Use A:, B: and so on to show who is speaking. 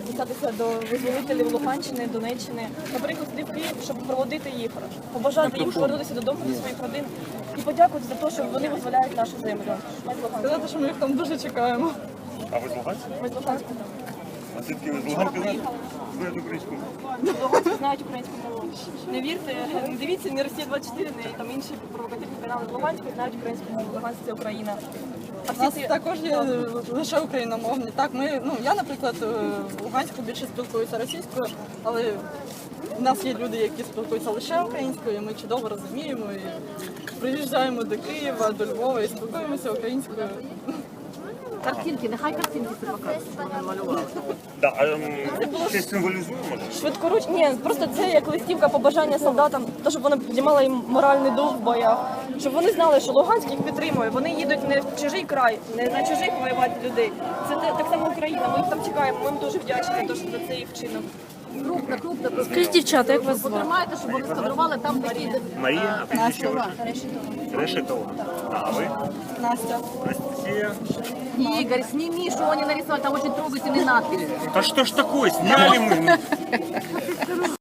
A: записатися до визволителів Луганщини, Донеччини, наприклад, сюди в Київ, щоб проводити їх, побажати їм повернутися додому до своїх родин і подякувати за те, що вони визволяють нашу землю. Ми з Луганська.
B: Сказати, що ми їх там дуже чекаємо.
C: А ви з Луганська?
A: Ми з Луганська.
C: А звідки ви з Луганська знаєте українську мову?
A: Луганські знають українську мову. Не вірте, не дивіться, не Росія 24, не там інші провокативні канали. В Луганську знають українську мову. Луганськ – це Україна.
B: У нас також є лише україномовні. Так, я, наприклад, в Луганську більше спілкуюся російською, але в нас є люди, які спілкуються лише українською, і ми чудово розуміємо. І приїжджаємо до Києва, до Львова і спілкуємося українською.
D: Картинки, нехай картинки це покажуть, що вони малювали.
C: Да, а щось символізує, може?
A: Швидкоруч, ні, просто це як листівка побажання солдатам, то, щоб вона піднімала їм моральний дух в боях, щоб вони знали, що Луганськ їх підтримує, вони їдуть не в чужий край, не на чужих воювати людей. Це так само Україна, ми їх там чекаємо, ми їм дуже вдячні за цей вчинок.
D: Крупно.
A: Скажіть, дівчата, як вас звати?
D: Потримайте, щоб вони скадрували там такі.
C: Марія, а прізвище ваше? Решетова. А ви?
B: Настя.
C: Анастасія.
D: Игорь, сними, что они нарисовали, там очень трогательный надпись.
C: Та що ж такое, сняли ми?